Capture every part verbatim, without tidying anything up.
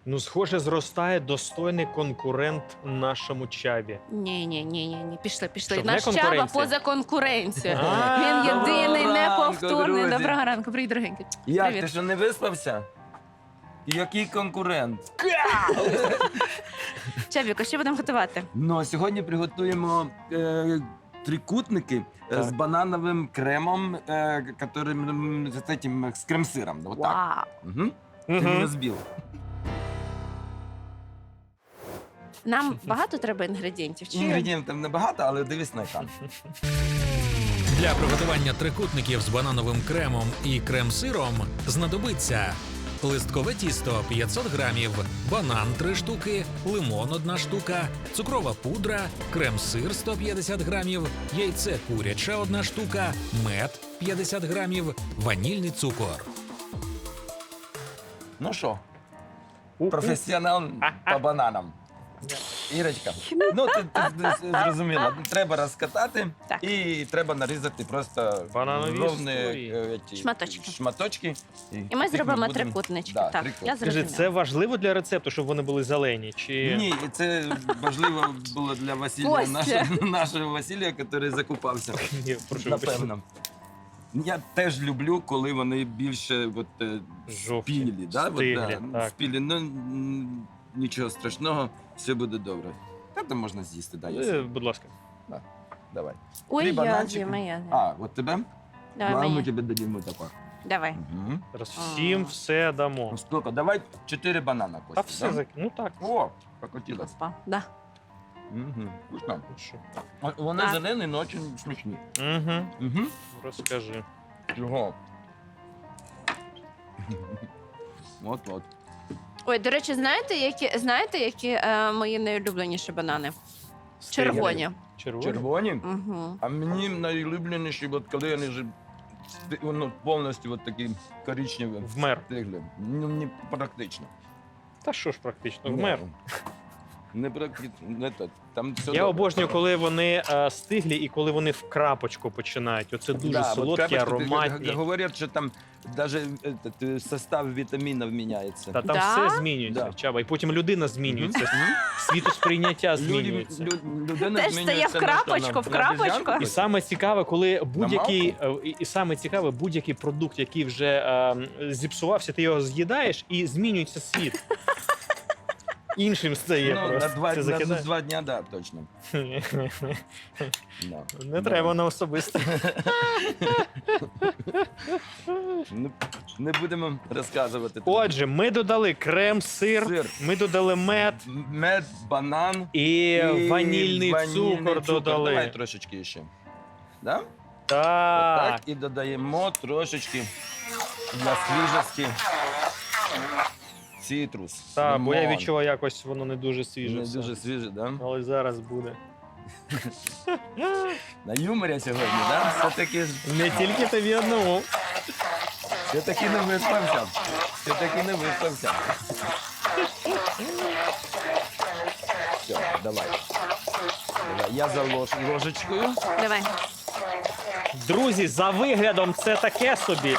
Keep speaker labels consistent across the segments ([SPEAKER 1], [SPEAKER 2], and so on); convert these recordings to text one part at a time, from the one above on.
[SPEAKER 1] Ну, схоже, зростає достойний конкурент нашому чаві.
[SPEAKER 2] Ні, ні, ні, ні, ні. Пішли, пішли.
[SPEAKER 1] Що, вже
[SPEAKER 2] Наш Чаба
[SPEAKER 1] конкуренція?
[SPEAKER 2] поза конкуренцією.
[SPEAKER 1] А,
[SPEAKER 2] Він єдиний,
[SPEAKER 3] Доброго ранку,
[SPEAKER 2] неповторний.
[SPEAKER 3] друзі.
[SPEAKER 2] Доброго ранку, привіт, дорогенький.
[SPEAKER 3] Як,
[SPEAKER 2] Привіт.
[SPEAKER 3] ти що не виспався? Який конкурент?
[SPEAKER 2] Чабіко, що будемо готувати?
[SPEAKER 3] Ну, а сьогодні приготуємо е, трикутники е,
[SPEAKER 1] Так.
[SPEAKER 3] з банановим кремом, е, которым, з, этим, з крем-сиром. Вот так.
[SPEAKER 2] Вау.
[SPEAKER 3] Угу. Ти мене
[SPEAKER 1] Угу.
[SPEAKER 3] збив.
[SPEAKER 2] Нам багато треба інгредієнтів? Чи...
[SPEAKER 3] Інгредієнтів небагато, але дивись на екран.
[SPEAKER 4] Для приготування трикутників з банановим кремом і крем-сиром знадобиться листкове тісто п'ятсот грамів, банан три штуки, лимон одна штука, цукрова пудра, крем-сир сто п'ятдесят грамів, яйце куряче одна штука, мед п'ятдесят грамів, ванільний цукор.
[SPEAKER 3] Ну що, професіонал по бананам. Ірочка, ну ти, ти зрозуміла, треба розкатати
[SPEAKER 2] Так.
[SPEAKER 3] і треба нарізати просто
[SPEAKER 1] Бананові
[SPEAKER 3] ровні
[SPEAKER 1] історії.
[SPEAKER 3] е, ті
[SPEAKER 2] Шматочки.
[SPEAKER 3] шматочки.
[SPEAKER 2] І ми
[SPEAKER 3] тих
[SPEAKER 2] зробимо
[SPEAKER 3] будемо-
[SPEAKER 2] трикутнички.
[SPEAKER 3] Да,
[SPEAKER 2] Так,
[SPEAKER 3] трикут.
[SPEAKER 2] я
[SPEAKER 1] Скажи,
[SPEAKER 2] зрозуміла.
[SPEAKER 1] це важливо для рецепту, щоб вони були зелені? Чи...
[SPEAKER 3] Ні, це важливо було для Василія,
[SPEAKER 2] Костя.
[SPEAKER 3] нашого, нашого Василія, який закупався.
[SPEAKER 1] Ні, прошу вибачте.
[SPEAKER 3] Напевно. Я теж люблю, коли вони більше от, е,
[SPEAKER 1] Жовті,
[SPEAKER 3] спілі. Да? От,
[SPEAKER 1] стиглі,
[SPEAKER 3] да,
[SPEAKER 1] так.
[SPEAKER 3] спілі. Ну, м, нічого страшного, все буде добре. Та там можна з'їсти, да, я
[SPEAKER 1] Е,
[SPEAKER 3] з'їм.
[SPEAKER 1] Будь ласка.
[SPEAKER 3] Давай.
[SPEAKER 2] Ой,
[SPEAKER 3] Три
[SPEAKER 2] я
[SPEAKER 3] бананчики.
[SPEAKER 2] з'їм, я з'їм.
[SPEAKER 3] А, от тебе?
[SPEAKER 2] Давай,
[SPEAKER 3] Ладно, ми
[SPEAKER 2] мені.
[SPEAKER 3] тебе дадим тако.
[SPEAKER 2] Давай.
[SPEAKER 3] Угу.
[SPEAKER 1] Зараз всім
[SPEAKER 2] А.
[SPEAKER 1] все дамо.
[SPEAKER 3] Ну, сколько? Давай чотири банана, Костя.
[SPEAKER 1] Та все
[SPEAKER 3] да?
[SPEAKER 1] зак... Ну так.
[SPEAKER 3] О, покотилось.
[SPEAKER 2] Опа. Да.
[SPEAKER 3] Угу. Вкусно.
[SPEAKER 1] Ну що?
[SPEAKER 3] А Вони
[SPEAKER 2] Так.
[SPEAKER 3] зелені, але дуже смачні.
[SPEAKER 1] Угу.
[SPEAKER 3] Угу.
[SPEAKER 1] Розкажи.
[SPEAKER 3] Чого? От-от.
[SPEAKER 2] Ой, до речі, знаєте, які, знаєте, які е, мої найулюбленіші банани?
[SPEAKER 1] Стиглі.
[SPEAKER 2] Червоні.
[SPEAKER 1] Червоні?
[SPEAKER 3] Червоні?
[SPEAKER 2] Угу.
[SPEAKER 3] А мені найулюбленіші, от коли вони вже сти- ну, повністю от такі коричневі.
[SPEAKER 1] Вмер.
[SPEAKER 3] Стигли. Ну, не практично.
[SPEAKER 1] Та що ж практично, вмер.
[SPEAKER 3] Ну, Не практично. Не то. Там все
[SPEAKER 1] Я
[SPEAKER 3] добре.
[SPEAKER 1] обожнюю, коли вони е, стиглі і коли вони в крапочку починають. Оце дуже
[SPEAKER 3] Да, от
[SPEAKER 1] солодкі,
[SPEAKER 3] крапочка, ти-
[SPEAKER 1] ароматні.
[SPEAKER 3] Говорять, що там навіть состав вітамінів міняється.
[SPEAKER 1] Та там
[SPEAKER 2] Да?
[SPEAKER 1] все змінюється,
[SPEAKER 3] Да.
[SPEAKER 1] Чаба. І потім людина змінюється.
[SPEAKER 3] Мгм.
[SPEAKER 1] Світосприйняття
[SPEAKER 3] Люди-
[SPEAKER 1] змінюється.
[SPEAKER 3] лю- людина
[SPEAKER 2] Теж стає
[SPEAKER 3] змінюється
[SPEAKER 2] в
[SPEAKER 3] на що,
[SPEAKER 2] крапочку,
[SPEAKER 3] на-
[SPEAKER 2] в
[SPEAKER 3] на
[SPEAKER 2] крапочку?
[SPEAKER 3] обезьянку?
[SPEAKER 1] І саме цікаве, коли будь-який е, і, і саме цікаве, будь-який продукт, який вже е, зіпсувався, ти його з'їдаєш і змінюється світ. Іншим стає
[SPEAKER 3] Ну, на
[SPEAKER 1] просто.
[SPEAKER 3] два,
[SPEAKER 1] Це
[SPEAKER 3] на
[SPEAKER 1] закидає.
[SPEAKER 3] два дня, да, точно. Да.
[SPEAKER 1] Не
[SPEAKER 3] Да.
[SPEAKER 1] треба на особисто.
[SPEAKER 3] Не, не будемо розказувати.
[SPEAKER 1] Отже, ми додали крем-сир,
[SPEAKER 3] Сир.
[SPEAKER 1] ми додали мед
[SPEAKER 3] Мед, банан
[SPEAKER 1] і,
[SPEAKER 3] і
[SPEAKER 1] ванільний, цукор додали.
[SPEAKER 3] Давай трошечки ще. Да?
[SPEAKER 1] Так.
[SPEAKER 3] Так, і додаємо трошечки для свіжості цитрус.
[SPEAKER 1] Так, бо я
[SPEAKER 3] лимон.
[SPEAKER 1] відчуваю, якось воно не дуже свіже.
[SPEAKER 3] Не
[SPEAKER 1] все.
[SPEAKER 3] дуже свіже, да?
[SPEAKER 1] Але зараз буде.
[SPEAKER 3] На юморі сьогодні, да? Все-таки,
[SPEAKER 1] Не тільки тобі одному.
[SPEAKER 3] все-таки не виспався. Все-таки не виспався. Все, давай. Давай, я за лож, ложечкою.
[SPEAKER 2] Давай.
[SPEAKER 1] Друзі, за виглядом це таке собі.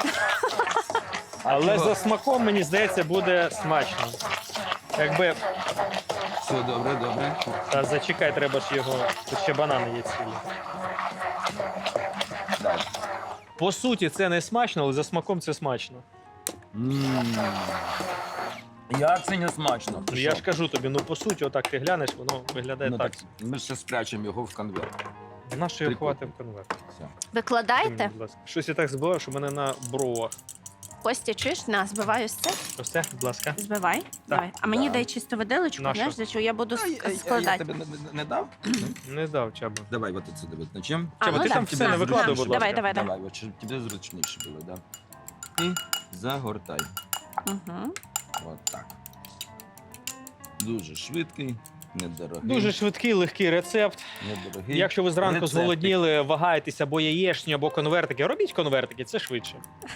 [SPEAKER 1] Але
[SPEAKER 3] чого?
[SPEAKER 1] за смаком, мені здається, буде смачно. Якби.
[SPEAKER 3] Все, добре, добре.
[SPEAKER 1] Та зачекай, треба ж його. Тут ще банани є цілі.
[SPEAKER 3] Так.
[SPEAKER 1] По суті, це не смачно, але за смаком це смачно.
[SPEAKER 3] М. Як це не смачно?
[SPEAKER 1] Ну, я ж кажу тобі, ну по суті, отак ти глянеш, воно виглядає
[SPEAKER 3] Ну,
[SPEAKER 1] так.
[SPEAKER 3] так, ми ще спрячемо його в конверт.
[SPEAKER 1] Нащо його
[SPEAKER 3] Прикольно.
[SPEAKER 1] ховати в конверт?
[SPEAKER 3] Все.
[SPEAKER 2] Викладайте.
[SPEAKER 1] Будь ласка. Щось я так збивав, що в мене на бровах.
[SPEAKER 2] Костя, чуєш? На, збиваю все.
[SPEAKER 1] Ось це, будь ласка.
[SPEAKER 2] Збивай. Давай. А мені
[SPEAKER 3] Да.
[SPEAKER 2] дай чисто виделочку,
[SPEAKER 1] На
[SPEAKER 2] знаєш,
[SPEAKER 1] що?
[SPEAKER 2] за що я буду
[SPEAKER 3] А, я-
[SPEAKER 2] ск-
[SPEAKER 3] а я
[SPEAKER 2] складати.
[SPEAKER 3] тебе не, не дав?
[SPEAKER 1] Не дав, Чаба.
[SPEAKER 3] Давай, от це давай. На чим?
[SPEAKER 2] А,
[SPEAKER 1] Чаба,
[SPEAKER 2] ну
[SPEAKER 1] ти
[SPEAKER 2] да.
[SPEAKER 1] там все
[SPEAKER 2] На,
[SPEAKER 1] не викладуй,
[SPEAKER 2] на.
[SPEAKER 1] будь ласка.
[SPEAKER 2] Давай, давай, давай.
[SPEAKER 3] Давай, от, щоб тобі зручніше було, да. І загортай.
[SPEAKER 2] Угу.
[SPEAKER 3] От так. Дуже швидкий, недорогий.
[SPEAKER 1] Дуже швидкий, легкий рецепт.
[SPEAKER 3] недорогий.
[SPEAKER 1] Якщо ви зранку
[SPEAKER 3] Рецептик.
[SPEAKER 1] зголодніли, вагаєтесь або яєчні, або конвертики, робіть конвертики, це швидше.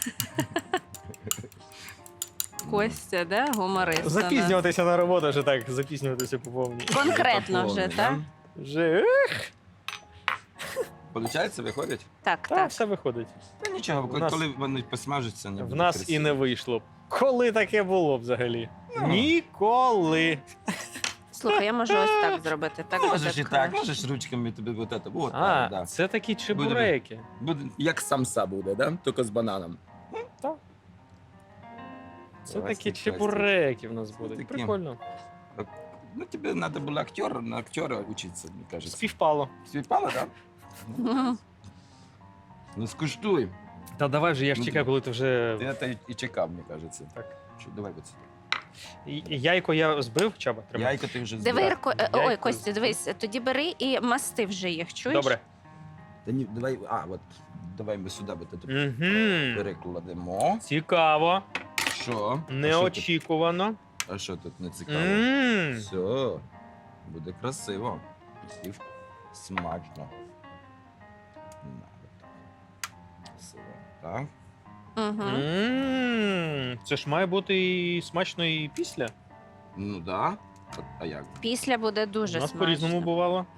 [SPEAKER 2] Костя, да? Гуморист. у нас.
[SPEAKER 1] Запізнюватися на роботу, вже так, запізнюватися по повній.
[SPEAKER 2] Конкретно вже,
[SPEAKER 3] Повний,
[SPEAKER 2] так?
[SPEAKER 3] да?
[SPEAKER 1] Вже
[SPEAKER 3] Получається, виходить?
[SPEAKER 2] Так,
[SPEAKER 1] так,
[SPEAKER 2] так.
[SPEAKER 1] все виходить.
[SPEAKER 3] Та нічого,
[SPEAKER 1] В нас-
[SPEAKER 3] коли вони посмажаться, не
[SPEAKER 1] В
[SPEAKER 3] буде
[SPEAKER 1] нас
[SPEAKER 3] красиво.
[SPEAKER 1] і не вийшло. Коли таке було взагалі? Ніколи.
[SPEAKER 2] Слухай, я можу ось так зробити. Так буде
[SPEAKER 3] Можеш і так,
[SPEAKER 2] краще.
[SPEAKER 3] можеш ручками тобі вот это. Вот,
[SPEAKER 1] А,
[SPEAKER 3] так, да.
[SPEAKER 1] це такі чебуреки.
[SPEAKER 3] Буде, як самса буде, да? Тільки з бананом.
[SPEAKER 1] Це
[SPEAKER 3] Давай,
[SPEAKER 1] такі
[SPEAKER 3] стій,
[SPEAKER 1] чебуреки в нас
[SPEAKER 3] Це
[SPEAKER 1] будуть.
[SPEAKER 3] такі.
[SPEAKER 1] Прикольно.
[SPEAKER 3] Ну, тебе надо было актер, на актера учиться, мне кажется.
[SPEAKER 1] Співпало.
[SPEAKER 3] Співпало, да?
[SPEAKER 2] Мгм.
[SPEAKER 3] Ну, скуштуй.
[SPEAKER 1] Та давай вже, я ж
[SPEAKER 3] Ну,
[SPEAKER 1] чекаю, коли ти вже.
[SPEAKER 3] Ти це і чекав, мені кажеться.
[SPEAKER 1] Так.
[SPEAKER 3] Що, давай от сюди.
[SPEAKER 1] І- і Яйко я збив, Чаба? Тримай.
[SPEAKER 3] Яйко ти вже
[SPEAKER 2] Диви,
[SPEAKER 3] збирав.
[SPEAKER 2] Ірко- е, ой,
[SPEAKER 1] Яйко.
[SPEAKER 2] Костя, дивись, тоді бери і масти вже їх, чуєш?
[SPEAKER 1] Добре.
[SPEAKER 3] Та ні, давай, а, от, давай ми сюди от тут
[SPEAKER 1] Угу.
[SPEAKER 3] перекладемо.
[SPEAKER 1] Цікаво.
[SPEAKER 3] Що? А що тут?
[SPEAKER 1] Неочікувано.
[SPEAKER 3] А що тут не цікаво?
[SPEAKER 1] Мм.
[SPEAKER 3] Все, буде красиво. І смачно. На, от так. Красиво. Так.
[SPEAKER 2] Угу.
[SPEAKER 1] Мм. Це ж має бути і смачно, і після.
[SPEAKER 3] Ну да. От, а як?
[SPEAKER 2] Після буде дуже
[SPEAKER 1] У нас
[SPEAKER 2] смачно.
[SPEAKER 1] по-різному бувало.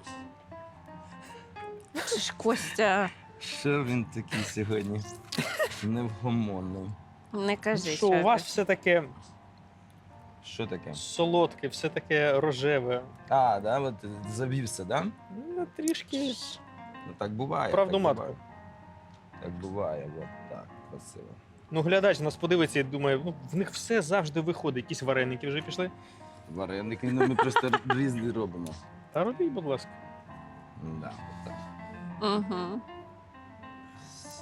[SPEAKER 2] Це ж Костя,
[SPEAKER 3] Що він такий сьогодні? Невгомонний.
[SPEAKER 2] не кажи.
[SPEAKER 1] Що у вас
[SPEAKER 2] Чабі.
[SPEAKER 1] все таке
[SPEAKER 3] Що таке?
[SPEAKER 1] солодке, все таке рожеве.
[SPEAKER 3] А, да, от завівся, да?
[SPEAKER 1] Ну, трішки
[SPEAKER 3] Ну так буває.
[SPEAKER 1] правду
[SPEAKER 3] так
[SPEAKER 1] матку.
[SPEAKER 3] буває. Так буває, от так, красиво.
[SPEAKER 1] Ну, глядач нас подивиться і думає, ну в них все завжди виходить. Якісь вареники вже пішли.
[SPEAKER 3] Вареники, ну ми просто різні робимо.
[SPEAKER 1] Та робіть, будь ласка.
[SPEAKER 3] Да, от так.
[SPEAKER 2] Угу.
[SPEAKER 3] Все.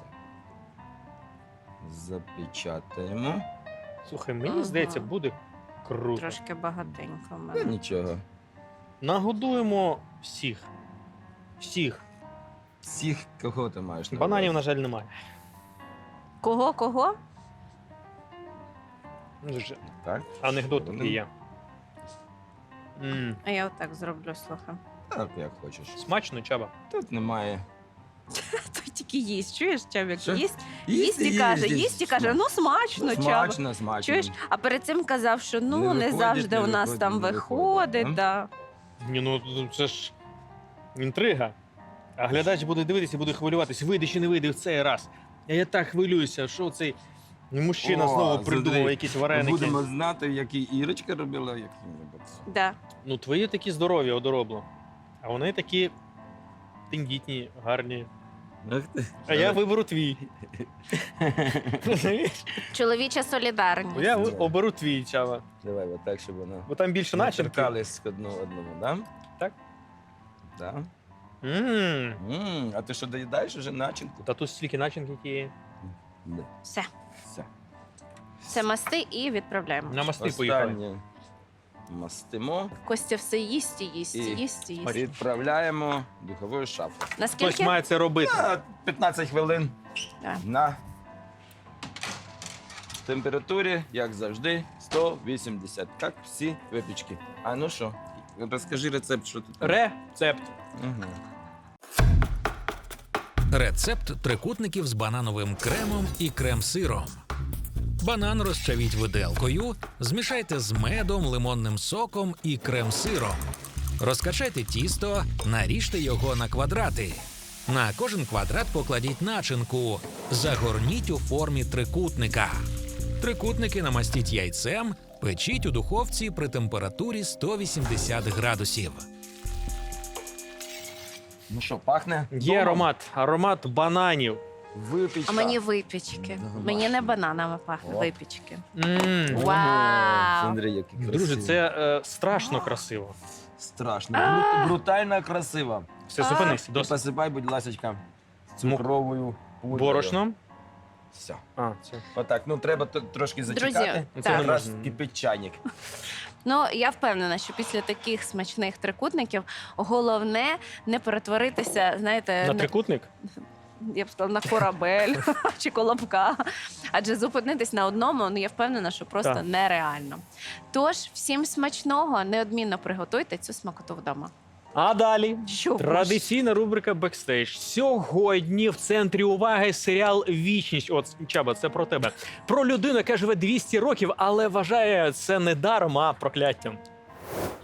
[SPEAKER 3] Запечатаємо.
[SPEAKER 1] Слухай, мені
[SPEAKER 2] Ага.
[SPEAKER 1] здається, буде круто.
[SPEAKER 2] Трошки багатенько в
[SPEAKER 3] Та
[SPEAKER 2] мене.
[SPEAKER 3] нічого.
[SPEAKER 1] Нагодуємо всіх. Всіх.
[SPEAKER 3] Всіх, кого ти маєш на
[SPEAKER 1] Бананів, на
[SPEAKER 3] увазі?
[SPEAKER 1] жаль, немає.
[SPEAKER 2] Кого, кого?
[SPEAKER 1] Ну, ж,
[SPEAKER 3] Так?
[SPEAKER 1] анекдот
[SPEAKER 3] Вони-
[SPEAKER 1] такий є. М,
[SPEAKER 2] А я отак зроблю, слухай.
[SPEAKER 3] Так, як хочеш.
[SPEAKER 1] Смачно, Чаба.
[SPEAKER 3] Тут немає.
[SPEAKER 2] Той тільки їсть, чуєш, Чабік?
[SPEAKER 3] Що?
[SPEAKER 2] Їсть, їсть і каже, їсть і каже, ну смачно, Чаба.
[SPEAKER 3] Смачно, смачно.
[SPEAKER 2] Чуєш? А перед цим казав, що ну
[SPEAKER 3] Не
[SPEAKER 2] не,
[SPEAKER 3] виходить,
[SPEAKER 2] завжди
[SPEAKER 3] не
[SPEAKER 2] у нас
[SPEAKER 3] виходить,
[SPEAKER 2] там
[SPEAKER 3] не
[SPEAKER 2] виходить.
[SPEAKER 3] виходить,
[SPEAKER 2] Да.
[SPEAKER 1] Ні, ну це ж інтрига. А глядач буде дивитися і буде хвилюватись, вийде чи не вийде в цей раз. А я так хвилююся, що цей мужчина
[SPEAKER 3] О,
[SPEAKER 1] знову
[SPEAKER 3] смотри,
[SPEAKER 1] придумав якісь вареники.
[SPEAKER 3] Будемо знати, які Ірочка робила, які-небудь.
[SPEAKER 2] Да.
[SPEAKER 1] Ну, твої такі здорові одоробло. А вони такі тендітні, гарні.
[SPEAKER 3] Ах ти.
[SPEAKER 1] А я виберу твій. Розумієш?
[SPEAKER 2] Чоловіча солідарність.
[SPEAKER 1] Я ви- оберу твій, Чава.
[SPEAKER 3] Давай, от так, щоб вона
[SPEAKER 1] Бо там більше
[SPEAKER 3] не
[SPEAKER 1] начинки.
[SPEAKER 3] торкались одну одному, да?
[SPEAKER 1] Так.
[SPEAKER 3] Да.
[SPEAKER 1] М,
[SPEAKER 3] М, а ти що, доїдаєш уже начинку?
[SPEAKER 1] Та тут стільки начинки тієї.
[SPEAKER 3] Да.
[SPEAKER 2] Все.
[SPEAKER 3] Все.
[SPEAKER 2] Це масти і відправляємо.
[SPEAKER 1] На мости поїхали.
[SPEAKER 3] Останнє мастимо
[SPEAKER 2] Костя все їсть і їсть,
[SPEAKER 3] І
[SPEAKER 2] їсть і їсть.
[SPEAKER 3] відправляємо в духову шафу.
[SPEAKER 1] Хтось
[SPEAKER 2] Наскільки?
[SPEAKER 1] має це робити.
[SPEAKER 3] На п'ятнадцять хвилин
[SPEAKER 2] Так.
[SPEAKER 3] на температурі, як завжди, сто вісімдесят. Так, всі випічки. А ну що, розкажи рецепт, що тут.
[SPEAKER 1] Рецепт.
[SPEAKER 3] Угу.
[SPEAKER 4] Рецепт трикутників з банановим кремом і крем-сиром. Банан розчавіть виделкою, змішайте з медом, лимонним соком і крем-сиром. Розкачайте тісто, наріжте його на квадрати. На кожен квадрат покладіть начинку. Загорніть у формі трикутника. Трикутники намастіть яйцем, печіть у духовці при температурі сто вісімдесят градусів.
[SPEAKER 3] Ну що, пахне?
[SPEAKER 1] Є
[SPEAKER 3] домом?
[SPEAKER 1] аромат. Аромат бананів.
[SPEAKER 3] Випічка.
[SPEAKER 2] А мені випічки.
[SPEAKER 3] Домашні.
[SPEAKER 2] Мені не бананами пахне,
[SPEAKER 3] О.
[SPEAKER 2] випічки.
[SPEAKER 1] М.
[SPEAKER 3] Ого,
[SPEAKER 2] Вау.
[SPEAKER 3] Смотри, які красиві.
[SPEAKER 1] Друже, це е, страшно красиво.
[SPEAKER 3] Страшно. Бру- Брутально красиво.
[SPEAKER 1] Все,
[SPEAKER 2] А.
[SPEAKER 1] зупинись.
[SPEAKER 3] І
[SPEAKER 1] Досить.
[SPEAKER 3] посипай, будь ласка,
[SPEAKER 1] Мук-
[SPEAKER 3] цукровою пудрою.
[SPEAKER 1] Борошном.
[SPEAKER 3] Все.
[SPEAKER 1] А, це.
[SPEAKER 3] Отак, ну треба т- трошки
[SPEAKER 2] Друзі,
[SPEAKER 3] зачекати.
[SPEAKER 1] Це
[SPEAKER 2] так.
[SPEAKER 1] не
[SPEAKER 3] Якраз
[SPEAKER 1] можна.
[SPEAKER 3] кипить чайник.
[SPEAKER 2] Ну, я впевнена, що після таких смачних трикутників головне не перетворитися, знаєте,
[SPEAKER 1] На
[SPEAKER 2] на-
[SPEAKER 1] трикутник?
[SPEAKER 2] я б сказала, на корабель чи колобка. Адже зупинитись на одному, ну я впевнена, що просто
[SPEAKER 1] Так.
[SPEAKER 2] нереально. Тож, всім смачного, неодмінно приготуйте цю смакоту вдома.
[SPEAKER 1] А далі
[SPEAKER 2] Що ж?
[SPEAKER 1] традиційна рубрика «Бекстейдж». Сьогодні в центрі уваги серіал «Вічність». От, Чаба, це про тебе. Про людину, яка живе двісті років, але вважає це не даром, а прокляттям.